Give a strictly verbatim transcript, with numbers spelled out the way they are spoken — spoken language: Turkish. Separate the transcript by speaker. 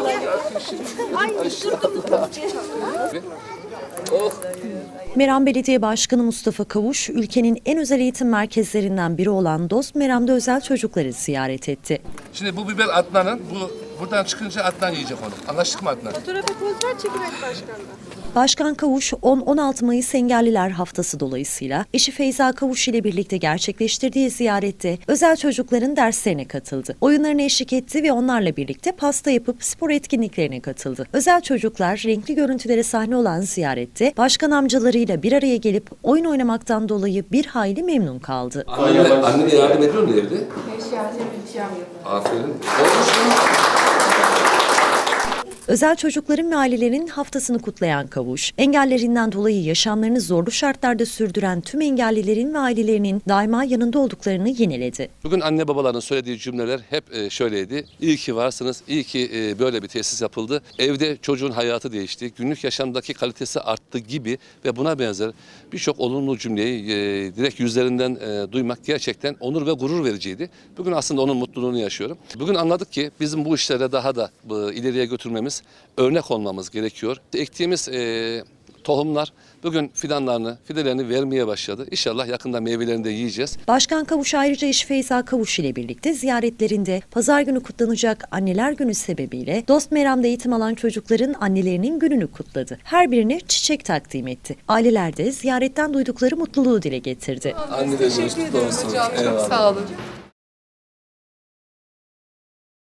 Speaker 1: Meram Belediye Başkanı Mustafa Kavuş, ülkenin en özel eğitim merkezlerinden biri olan Dost Meram'da özel çocukları ziyaret etti.
Speaker 2: Şimdi bu biber Adnan'ın, bu buradan çıkınca Adnan yiyecek onu. Anlaştık mı Adnan?
Speaker 3: Fotoğrafa poz ver, çekimek başkanla.
Speaker 1: Başkan Kavuş, on on altı Mayıs Engelliler Haftası dolayısıyla eşi Feyza Kavuş ile birlikte gerçekleştirdiği ziyarette özel çocukların derslerine katıldı. Oyunlarına eşlik etti ve onlarla birlikte pasta yapıp spor etkinliklerine katıldı. Özel çocuklar renkli görüntülere sahne olan ziyarette başkan amcalarıyla bir araya gelip oyun oynamaktan dolayı bir hayli memnun kaldı.
Speaker 2: Anne, annene yardım ediyor mu evde? Hiç yardım edeceğim. Aferin. Olmuş mu?
Speaker 1: Özel çocukların ve ailelerin haftasını kutlayan Kavuş, engellerinden dolayı yaşamlarını zorlu şartlarda sürdüren tüm engellilerin ve ailelerinin daima yanında olduklarını yineledi.
Speaker 2: Bugün anne babaların söylediği cümleler hep şöyleydi. İyi ki varsınız, iyi ki böyle bir tesis yapıldı. Evde çocuğun hayatı değişti, günlük yaşamdaki kalitesi arttı gibi ve buna benzer birçok olumlu cümleyi direkt yüzlerinden duymak gerçekten onur ve gurur vericiydi. Bugün aslında onun mutluluğunu yaşıyorum. Bugün anladık ki bizim bu işlere daha da ileriye götürmemiz, örnek olmamız gerekiyor. Ektiğimiz e, tohumlar bugün fidanlarını, fidelerini vermeye başladı. İnşallah yakında meyvelerini de yiyeceğiz.
Speaker 1: Başkan Kavuş ayrıca eşi Feyza Kavuş ile birlikte ziyaretlerinde pazar günü kutlanacak Anneler Günü sebebiyle Dost Meram'da eğitim alan çocukların annelerinin gününü kutladı. Her birine çiçek takdim etti. Aileler de ziyaretten duydukları mutluluğu dile getirdi.
Speaker 2: Annelerimiz kutlu olsun.
Speaker 3: Çok sağ olun.